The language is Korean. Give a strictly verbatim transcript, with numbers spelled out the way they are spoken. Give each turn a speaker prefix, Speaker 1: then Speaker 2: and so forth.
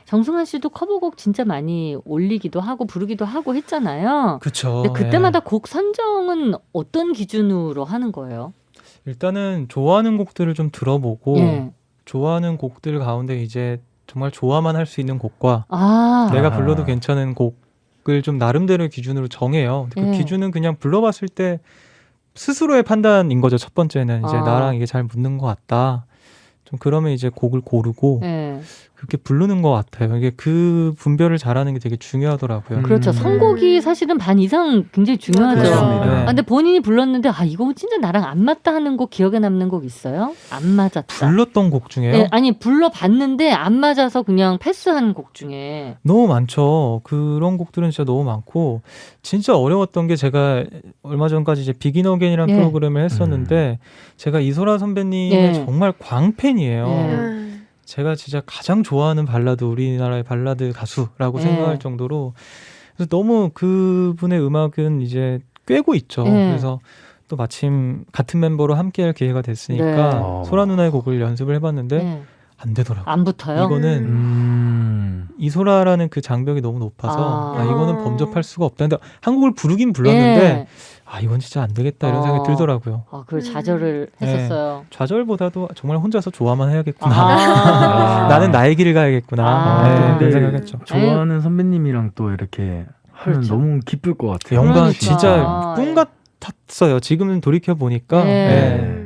Speaker 1: 정승환 씨도 커버곡 진짜 많이 올리기도 하고 부르기도 하고 했잖아요.
Speaker 2: 그쵸.
Speaker 1: 근데 그때마다
Speaker 2: 예.
Speaker 1: 곡 선정은 어떤 기준으로 하는 거예요?
Speaker 2: 일단은 좋아하는 곡들을 좀 들어보고
Speaker 1: 예.
Speaker 2: 좋아하는 곡들 가운데 이제 정말 좋아만 할 수 있는 곡과
Speaker 1: 아,
Speaker 2: 내가
Speaker 3: 아하.
Speaker 2: 불러도 괜찮은 곡을 좀 나름대로 기준으로 정해요. 그
Speaker 1: 예.
Speaker 2: 기준은 그냥 불러봤을 때 스스로의 판단인 거죠. 첫 번째는 이제
Speaker 1: 아.
Speaker 2: 나랑 이게 잘 붙는 것 같다. 좀 그러면 이제 곡을 고르고
Speaker 1: 예.
Speaker 2: 그렇게 부르는 것 같아요. 이게 그 분별을 잘하는 게 되게 중요하더라고요.
Speaker 3: 음.
Speaker 1: 그렇죠. 선곡이 사실은 반 이상 굉장히 중요하죠.
Speaker 3: 그렇습니다.
Speaker 2: 네.
Speaker 1: 아, 근데 본인이 불렀는데 아 이거 진짜 나랑 안 맞다 하는 곡 기억에 남는 곡 있어요? 안 맞았다.
Speaker 2: 불렀던 곡 중에요?
Speaker 1: 예, 아니 불러봤는데 안 맞아서 그냥 패스한 곡 중에.
Speaker 2: 너무 많죠. 그런 곡들은 진짜 너무 많고 진짜 어려웠던 게 제가 얼마 전까지 이제 비긴 어게인이라는
Speaker 1: 예.
Speaker 2: 프로그램을 했었는데 제가 이소라 선배님의
Speaker 1: 예.
Speaker 2: 정말 광팬이에요.
Speaker 1: 예.
Speaker 2: 제가 진짜 가장 좋아하는 발라드, 우리나라의 발라드 가수라고
Speaker 1: 예.
Speaker 2: 생각할 정도로 그래서 너무 그분의 음악은 이제 꿰고 있죠.
Speaker 1: 예.
Speaker 2: 그래서 또 마침 같은 멤버로 함께할 기회가 됐으니까
Speaker 1: 네.
Speaker 2: 소라 누나의 곡을 연습을 해봤는데
Speaker 1: 예.
Speaker 2: 안 되더라고요.
Speaker 1: 안 붙어요?
Speaker 2: 이거는
Speaker 3: 음.
Speaker 2: 이소라라는 그 장벽이 너무 높아서
Speaker 1: 아.
Speaker 2: 아, 이거는 범접할 수가 없다. 근데 한 곡을 부르긴 불렀는데
Speaker 1: 예.
Speaker 2: 아 이건 진짜 안 되겠다 이런
Speaker 1: 어.
Speaker 2: 생각이 들더라고요.
Speaker 1: 아, 그걸 좌절을
Speaker 2: 네.
Speaker 1: 했었어요.
Speaker 2: 좌절보다도 정말 혼자서 좋아만 해야겠구나.
Speaker 1: 아.
Speaker 2: 나는 나의 길을 가야겠구나.
Speaker 1: 아.
Speaker 2: 네,
Speaker 3: 근데
Speaker 2: 그런 생각했죠.
Speaker 3: 좋아하는 선배님이랑 또 이렇게 하면
Speaker 1: 그렇죠.
Speaker 3: 너무 기쁠 것 같아요.
Speaker 2: 영광
Speaker 1: 그러니까.
Speaker 2: 진짜 꿈
Speaker 1: 예.
Speaker 2: 같았어요. 지금은 돌이켜 보니까
Speaker 1: 네.
Speaker 2: 네.